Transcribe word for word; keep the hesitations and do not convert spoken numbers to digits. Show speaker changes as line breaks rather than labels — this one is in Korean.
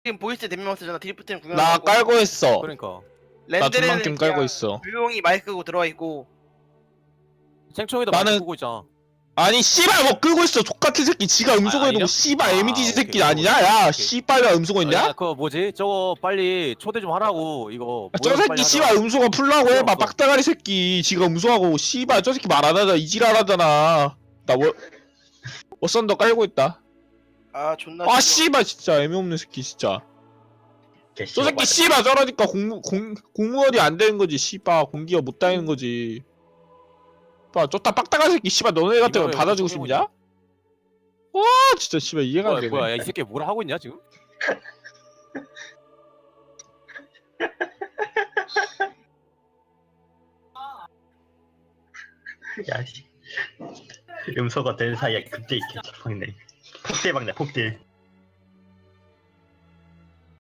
지금 보이스 대명만 쓰잖아. 드리프트는 구경.
나 깔고 있어.
그러니까
나
렌드는
전망팀 깔고 있어.
조용히 마이크 끄고 들어와 있고.
생총이도
나는-
많이 보고 있잖아.
아니 씨발 뭐 끄고 있어. 족같은 새끼. 지가 음소거
아,
해놓고
아니냐?
씨발
아,
에미디지
오케이,
새끼
오케이,
아니냐?
오케이,
야
오케이.
씨발가 음소거
야,
했냐?
그거 뭐지? 저거 빨리 초대 좀 하라고 이거.
저
모여서
새끼
빨리
씨발
하자.
음소거 풀라고
필요
해봐.
없어.
빡대가리 새끼. 지가 음소하고 씨발 저 새끼 말 안 하잖아. 이질 안 하잖아. 나 뭐, 워썬더 깔고 있다.
아 존나.
아
싫어.
씨발 진짜 애매 없는 새끼 진짜. 저
개씨발
새끼 씨발 저러니까 공무 공 공무원이 안 되는 거지. 씨발 공기가 못 다니는 거지. 봐 쫓다 빡다가 새끼 씨발 너네 같은 거
이거
받아주고
이거
싶냐? 와 진짜 씨발 이해가 안
뭐야,
되네.
뭐야, 야, 이 새끼 뭐라 하고 있냐 지금?
야씨 음소거 된 사이에 그때 이렇게 막네 폭딜 막네 폭딜